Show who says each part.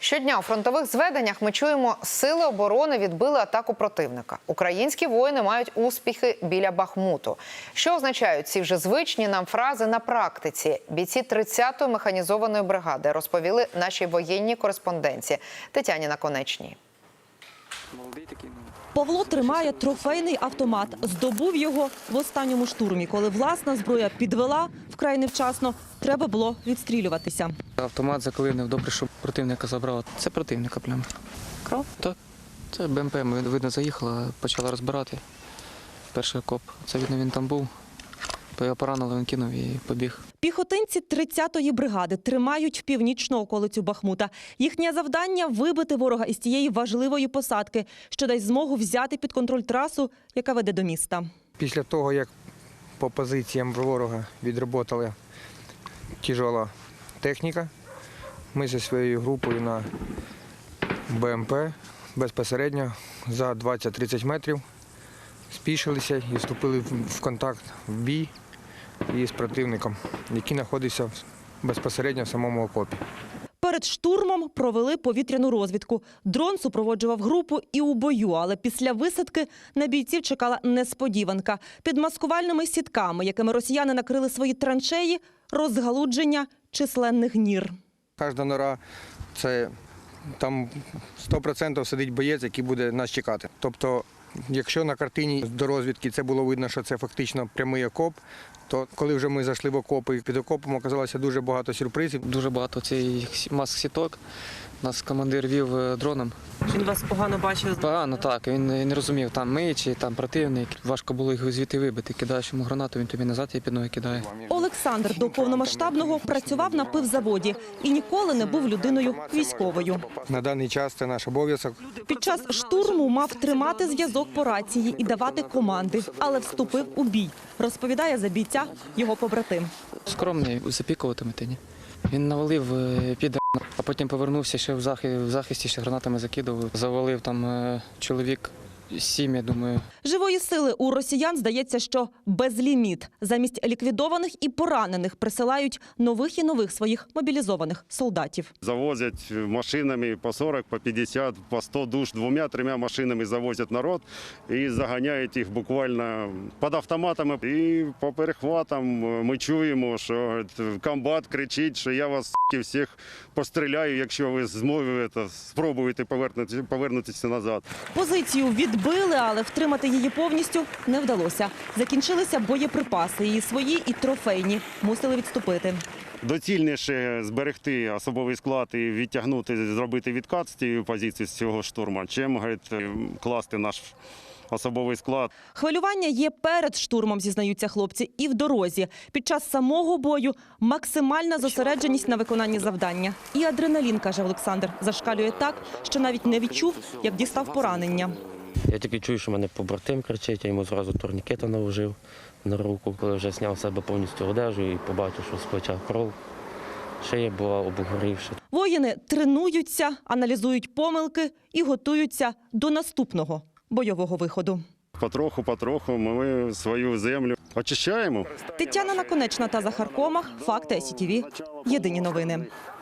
Speaker 1: Щодня у фронтових зведеннях ми чуємо, сили оборони відбили атаку противника. Українські воїни мають успіхи біля Бахмуту. Що означають ці вже звичні нам фрази на практиці? Бійці 30-ї механізованої бригади розповіли нашій воєнній кореспонденції Тетяні Наконечній.
Speaker 2: Павло тримає трофейний автомат. Здобув його в останньому штурмі, коли власна зброя підвела вкрай невчасно. Треба було відстрілюватися.
Speaker 3: Автомат заклинив, добре, що противника забрав. Це противника прямо. Кров? Так. Це БМП, ми, видно, заїхала, почала розбирати. Перший окоп. Це, видно, він там був. То його поранили, він кинув і побіг.
Speaker 2: Піхотинці 30-ї бригади тримають північну околицю Бахмута. Їхнє завдання – вибити ворога із тієї важливої посадки, що дасть змогу взяти під контроль трасу, яка веде до міста.
Speaker 4: Після того, як по позиціям ворога відроботала тяжела техніка, ми зі своєю групою на БМП безпосередньо за 20-30 метрів спішилися і вступили в контакт, в бій із противником, який знаходився безпосередньо в самому окопі.
Speaker 2: Перед штурмом провели повітряну розвідку. Дрон супроводжував групу і у бою, але після висадки на бійців чекала несподіванка. Під маскувальними сітками, якими росіяни накрили свої траншеї, розгалудження численних нір.
Speaker 4: Кожна нора – це там 100% сидить боєць, який буде нас чекати. Тобто, якщо на картині до розвідки це було видно, що це фактично прямий окоп, то коли вже ми зайшли в окопи, під окопом оказалося дуже багато сюрпризів.
Speaker 3: Дуже багато цих маск-сіток. Нас командир вів дроном.
Speaker 2: Він вас погано бачив?
Speaker 3: Погано, так. Він не розумів, там ми чи там противник. Важко було їх звідти вибити. Кидаєш йому гранату, він тобі назад її під ноги кидає.
Speaker 2: Олександр до повномасштабного працював на пивзаводі і ніколи не був людиною військовою.
Speaker 4: На даний час це наш обов'язок.
Speaker 2: Під час штурму мав тримати зв'язок по рації і давати команди, але вступив у бій, розповідає за бійця його побратим.
Speaker 3: Скромний, запікуватиме ні. Він навалив піде, а потім повернувся ще в захисті, ще гранатами закидував. Завалив там чоловік 7, я думаю.
Speaker 2: Живої сили у росіян, здається, що безліміт. Замість ліквідованих і поранених присилають нових і нових своїх мобілізованих солдатів.
Speaker 5: Завозять машинами по 40, по 50, по 100 душ, 2-3 машинами завозять народ і заганяють їх буквально під автоматами. І по перехватам ми чуємо, що комбат кричить, що я вас всіх постріляю, якщо ви спробуєте повернутися назад.
Speaker 2: Позицію відбили, але втримати її повністю не вдалося. Закінчилися боєприпаси, і свої, і трофейні. Мусили відступити.
Speaker 5: Доцільніше зберегти особовий склад і відтягнути, зробити відкат з цієї позиції, з цього штурму, чим класти наш особовий склад.
Speaker 2: Хвилювання є перед штурмом, зізнаються хлопці, і в дорозі. Під час самого бою максимальна зосередженість на виконанні завдання. І адреналін, каже Олександр, зашкалює так, що навіть не відчув, як дістав поранення.
Speaker 6: Я тільки чую, що мене побратим кричить, я йому зразу турнікета наложив на руку. Коли вже зняв з себе повністю одежу і побачив, що з плеча кров, шия була обгорівша.
Speaker 2: Воїни тренуються, аналізують помилки і готуються до наступного бойового виходу.
Speaker 5: Потроху ми свою землю очищаємо.
Speaker 2: Тетяна Наконечна та Захар Комах. Факти СІТВ. Єдині новини.